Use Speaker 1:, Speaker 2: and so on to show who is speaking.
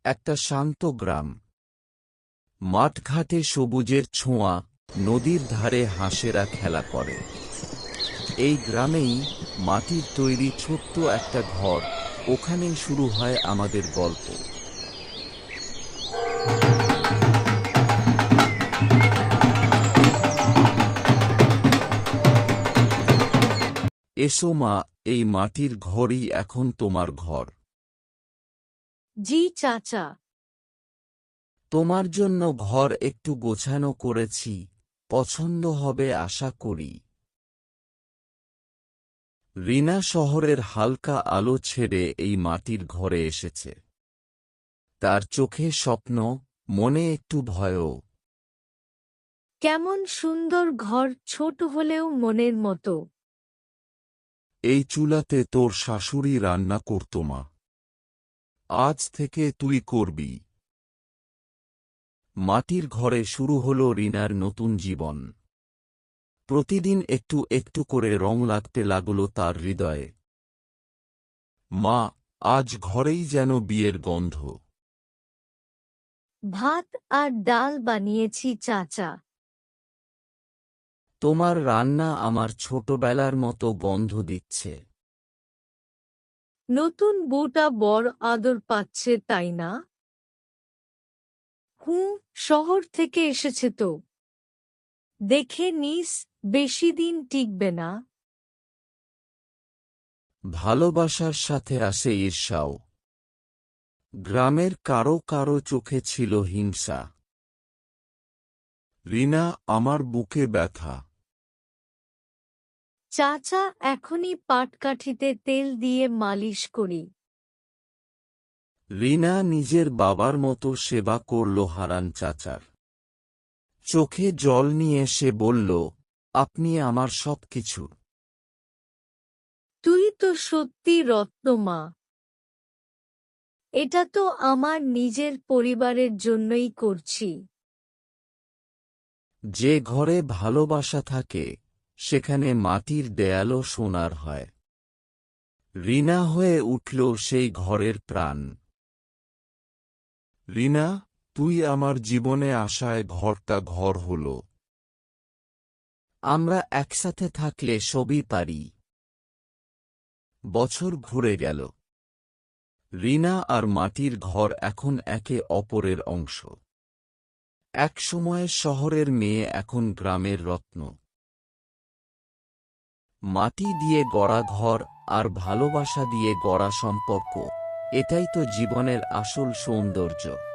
Speaker 1: একটা শান্ত গ্রাম। মাঠঘাটে সবুজের ছোঁয়া, নদীর ধারে হাঁসেরা খেলা করে। এই গ্রামেই মাটির তৈরি ছোট্ট একটা ঘর, ওখানেই শুরু হয় আমাদের গল্প। এসো মা, এই মাটির ঘরই এখন তোমার ঘর।
Speaker 2: জি চাচা।
Speaker 1: তোমার জন্য ঘর একটু গোছানো করেছি, পছন্দ হবে আশা করি। রিনা শহরের হালকা আলো ছেড়ে এই মাটির ঘরে এসেছে। তার চোখে স্বপ্ন, মনে একটু ভয়ও।
Speaker 2: কেমন সুন্দর ঘর, ছোট হলেও মনের মতো।
Speaker 1: এই চুলাতে তোর শাশুড়ি রান্না করত মা। আজ থেকে তুই করবি। মাটির ঘরে শুরু হলো রিনার নতুন জীবন। প্রতিদিন একটু একটু করে রং লাগতে লাগল তার হৃদয়ে। মা, আজ ঘরেই যেন বিয়ের গন্ধ।
Speaker 2: ভাত আর ডাল বানিয়েছি চাচা।
Speaker 1: তোমার রান্না আমার ছোটবেলার মতো গন্ধ দিচ্ছে।
Speaker 2: নতুন বউটা বড় আদর পাচ্ছে তাই না? হুঁ, শহর থেকে এসেছে তো। দেখে নিস, বেশি দিন টিকবে না।
Speaker 1: ভালোবাসার সাথে আসে ঈর্ষাও। গ্রামের কারো কারো চোখে ছিল হিংসা। রিনা, আমার বুকে ব্যথা।
Speaker 2: চাচা, এখনই পাটকাঠিতে তেল দিয়ে মালিশ করি।
Speaker 1: রিনা নিজের বাবার মতো সেবা করল হারান চাচার। চোখে জল নিয়ে সে বলল, আপনি আমার সবকিছু।
Speaker 2: তুই তো সত্যি রত্ন মা। এটা তো আমার নিজের পরিবারের জন্যই করছি।
Speaker 1: যে ঘরে ভালোবাসা থাকে, সেখানে মাটির দেয়ালও সোনার হয়। রিনা হয়ে উঠল সেই ঘরের প্রাণ। রিনা, তুই আমার জীবনে আসায় ঘরটা ঘর হল। আমরা একসাথে থাকলে সবই পারি। বছর ঘুরে গেল। রিনা আর মাটির ঘর এখন একে অপরের অংশ। এক সময়ের শহরের মেয়ে, এখন গ্রামের রত্ন। মাটি দিয়ে গড়া ঘর আর ভালোবাসা দিয়ে গড়া সম্পর্ক, এটাই তো জীবনের আসল সৌন্দর্য।